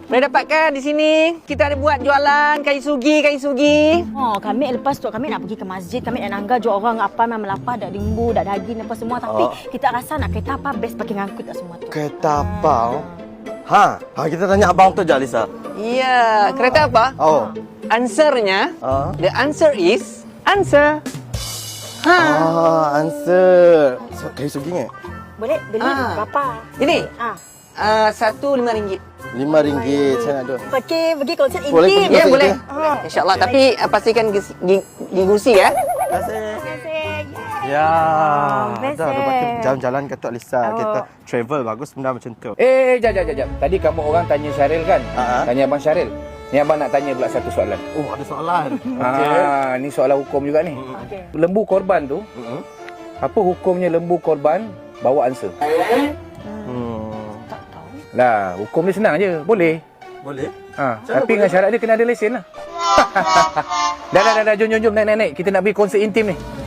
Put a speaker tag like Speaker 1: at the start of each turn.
Speaker 1: Boleh dapatkan di sini. Kita ada buat jualan kayu sugi.
Speaker 2: Oh, kami lepas tu kami nak pergi ke masjid, kami nak nangga jual orang apa memang melapar dak limbu, dak daging apa semua tapi kita rasa nak kereta apa best pakai ngangkut tak semua tu.
Speaker 3: Kereta apa? Kita tanya abang tu je, Alisa.
Speaker 1: Ya, kereta apa?
Speaker 3: Oh.
Speaker 1: Answernya, the answer is answer.
Speaker 3: Answer. Kayu sugi ni?
Speaker 2: Boleh beli berapa?
Speaker 1: Ini, satu RM5.
Speaker 3: RM5 saya nak tu.
Speaker 2: Pergi konsert
Speaker 3: Boleh
Speaker 2: intim.
Speaker 3: pergi
Speaker 1: Ya,
Speaker 3: konsert
Speaker 1: boleh.
Speaker 3: intim.
Speaker 1: InsyaAllah. Tapi pastikan gigusi ya.
Speaker 3: Terima kasih. Ya,
Speaker 2: best
Speaker 3: dah lepas tu jalan-jalan kata Alisa, kita travel bagus benda macam tu.
Speaker 4: Jap. Tadi kamu orang tanya Syaril kan? Tanya Abang Syaril. Ni abang nak tanya pula satu soalan.
Speaker 3: Oh, ada soalan.
Speaker 4: Ni soalan hukum juga ni. Lembu korban tu, apa hukumnya lembu korban bawa ansur? Lah, hukum dia senang je. Boleh.
Speaker 3: Boleh?
Speaker 4: Tapi dengan syarat dia kena ada lesen lah. Dah. Jom. Naik. Kita nak pergi konsert intim ni.